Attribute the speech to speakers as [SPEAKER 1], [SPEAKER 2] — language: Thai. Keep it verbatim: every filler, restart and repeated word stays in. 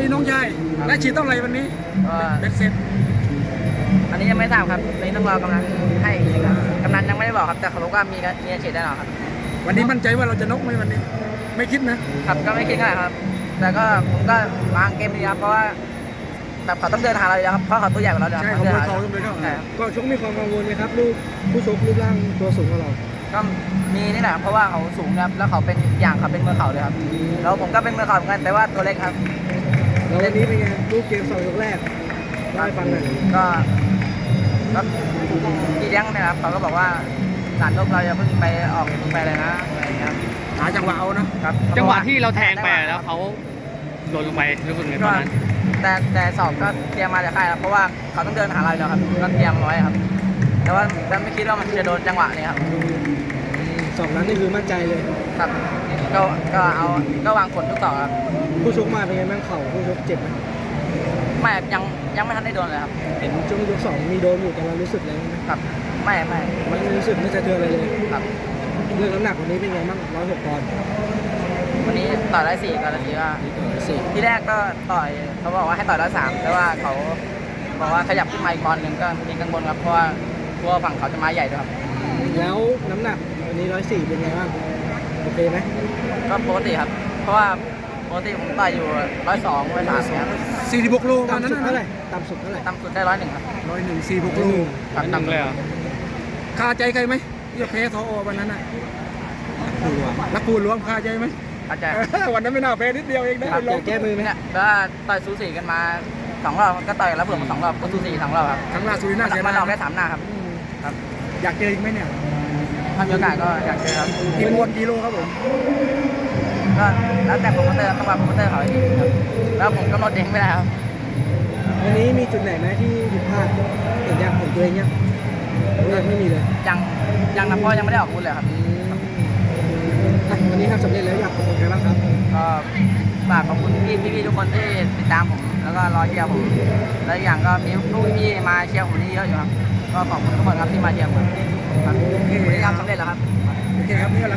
[SPEAKER 1] น้องชายและฉีดเท่าไหร่วันนี้
[SPEAKER 2] ก็
[SPEAKER 1] เบ็ดเสร็จ
[SPEAKER 2] อันนี้ยังไม่ทราบครับในต้องรอกำนันให้อีกทีครับกำนันยังไม่ได้บอกครับแต่เขาบอกว่ามีมีอาชีพแน่นอนครับ
[SPEAKER 1] วันนี้มั่นใจว่าเราจะนกไหมวันนี้ ไม่คิดนะครับ
[SPEAKER 2] ก็ไม่คิดง่ายครับ แต่ก็ผมก็วางเกมดีครับเพราะว่าแบบเขาต้องเดินหาเราอยู่แล้วครับเพราะเขาตัวใหญ่กว่าเราเดี๋ยว
[SPEAKER 1] ใช่
[SPEAKER 2] เขา
[SPEAKER 1] ของ
[SPEAKER 2] เดิน
[SPEAKER 1] มวย
[SPEAKER 2] หา
[SPEAKER 1] เขา
[SPEAKER 2] เรา
[SPEAKER 1] ต้องไปเข้า
[SPEAKER 2] ใช่ครับ
[SPEAKER 3] ก็ชกมีความกังวลไหมครับลูกผู้ชกรูปร่างตัวสูงกว่าเรา
[SPEAKER 2] ก็มีนี่แหละเพราะว่าเขาสูงครับแล้วเขาเป็นอย่างเขาเป็นมือเข่าเลยครับแล้วผมก็เป็นมือเข่าเหมือนกันแต่ว่าตัวเล็กครับ
[SPEAKER 3] แล้ววันนี้เป็นไงลูกเกมสองยกแรกเล่าให้ฟังหน่อย
[SPEAKER 2] ก็ก็พี่เลี้ยงเนี่ยครับเขาก็บอกว่าสารลบเราอย่าเพิ่งไปออกเพิ่งไปเลยนะอะไรอย่างเงี้ยครับ
[SPEAKER 1] หาจังหวะเอานะครับ
[SPEAKER 4] จังหวะที่เราแทงไปแล้วเขาหล่นลงไปรู้สึกไงต
[SPEAKER 2] ก็
[SPEAKER 4] อนนั้น
[SPEAKER 2] แต่แต่สอบก็เตรียมมาจากค่ายครับเพราะว่าเขาต้องเดินหาเราอยู่แล้วครับก็เตรียมไว้ครับ แต่ว่าแต่ไม่คิดว่ามันจะโดนจังหวะนี้ครับ
[SPEAKER 3] สองนั้นนี่คือมั่นใจเลย
[SPEAKER 2] ครับก็ก็เอาก็วางผลทุกต่อครับ
[SPEAKER 3] ผู้ชกมาเป็นไงบ้างเข่าผู้ชกเจ็บไหม
[SPEAKER 2] ไม่ยังยังไม่ทันได้โดนเลยครับ
[SPEAKER 3] เห็นช่วงยกสองมีโดนอยู่แต่เรารู้สึกแล้วไหม
[SPEAKER 2] ครับไม่ไม่
[SPEAKER 3] ไม่รู้สึกไม่สะเทือนอะไรเลย
[SPEAKER 2] ครับ
[SPEAKER 3] เรื่องน้ำหนักวันนี้เป็นไงบ้างร้อยหกปอนด์
[SPEAKER 2] วันนี้ต่อยร้อยสี่กับร้อยสี่ก็
[SPEAKER 3] สี่
[SPEAKER 2] ที่แรกก็ต่อยเขาบอกว่าให้ต่อยร้อยสามแต่ว่าเขาบอกว่าขยับขึ้นมาอีกปอนด์หนึ่งก็มีกังวลครับเพราะว่ากลัวฝั่งเขาจะมาใหญ่ด้วยครับ
[SPEAKER 3] แล้วน้ำหนักวันนี้ร้อยสี่เป็นไงบ้างโอเคไหม
[SPEAKER 2] ก็ปกติครับ เพราะว่าปกติผมต่อยอยู่ร้อยสองร้อยสามครับ
[SPEAKER 1] สี่สิบหกโลวัน
[SPEAKER 3] ต่ำ
[SPEAKER 1] นั้น
[SPEAKER 3] สุด
[SPEAKER 1] นะ
[SPEAKER 3] เท่าไหร่ต่ำสุดเท่าไหร่
[SPEAKER 2] ต่ำสุดได้ร้อยหนึ่งครับ
[SPEAKER 1] ร้อยหนึ่งสี่หกโล
[SPEAKER 2] ครับ
[SPEAKER 4] ตั้งเลยเหรอ
[SPEAKER 1] คาใจใครไหมที่จะแพ้ทออวันนั้นน่ะ
[SPEAKER 3] ดูอ่ะ
[SPEAKER 1] นักปูรวมคาใจไหม
[SPEAKER 2] อาจจะ
[SPEAKER 1] วันนั้นไม่น่าแพ้นิดเดียวเองได้
[SPEAKER 2] ครับ
[SPEAKER 1] ล
[SPEAKER 3] อง ยากแก้มือไหม
[SPEAKER 2] เนี่ยก็ต่อยสูสีกันมาสองรอบก็ต่อยแล้วเผื่อมาสองรอบก็สูสีสองรอบครับ
[SPEAKER 1] ครั้งล่าสุดน่าเสีย
[SPEAKER 2] มัน
[SPEAKER 1] ดาย
[SPEAKER 2] ออกได้สามหน้าครับครับ
[SPEAKER 1] อยากเจออีกไหมเนี่ย
[SPEAKER 2] ถ้ามีโอกาสก็อยากเจอครับ
[SPEAKER 1] อีกวนกิโลครับผม
[SPEAKER 2] ก็แล้วแต่โปรโมเตอร์ต้องวางโปรโมเตอร์เขาอีกทีครับแล้วผมกำหนดเองไม่ได้ครับ
[SPEAKER 3] วันนี้มีจุดไหนไหมที่ผิดพลาดเห็นยังเห็นตัวเองยังหรือยังไม่มีเลย
[SPEAKER 2] ยังยังนะเพราะยังไม่ได้ออกอาวุธเลยครับ
[SPEAKER 3] อ่ะวันนี้ทำสำเร็จแล้วอยากขอบคุณใครบ้างครับ
[SPEAKER 2] ก็ฝากขอบคุณพี่พี่ๆทุกคนที่ติดตามผมแล้วก็รอเชียร์ผมและอีกอย่างก็มีลูกพี่มาเชียร์ผมนี่เยอะอยู่ครับก็ขอบคุณทุกคนครับที่มาเชียร์ผมครับวันนี้ทำสำเร็จแล้วครับ
[SPEAKER 1] โอเคครับนี่ก็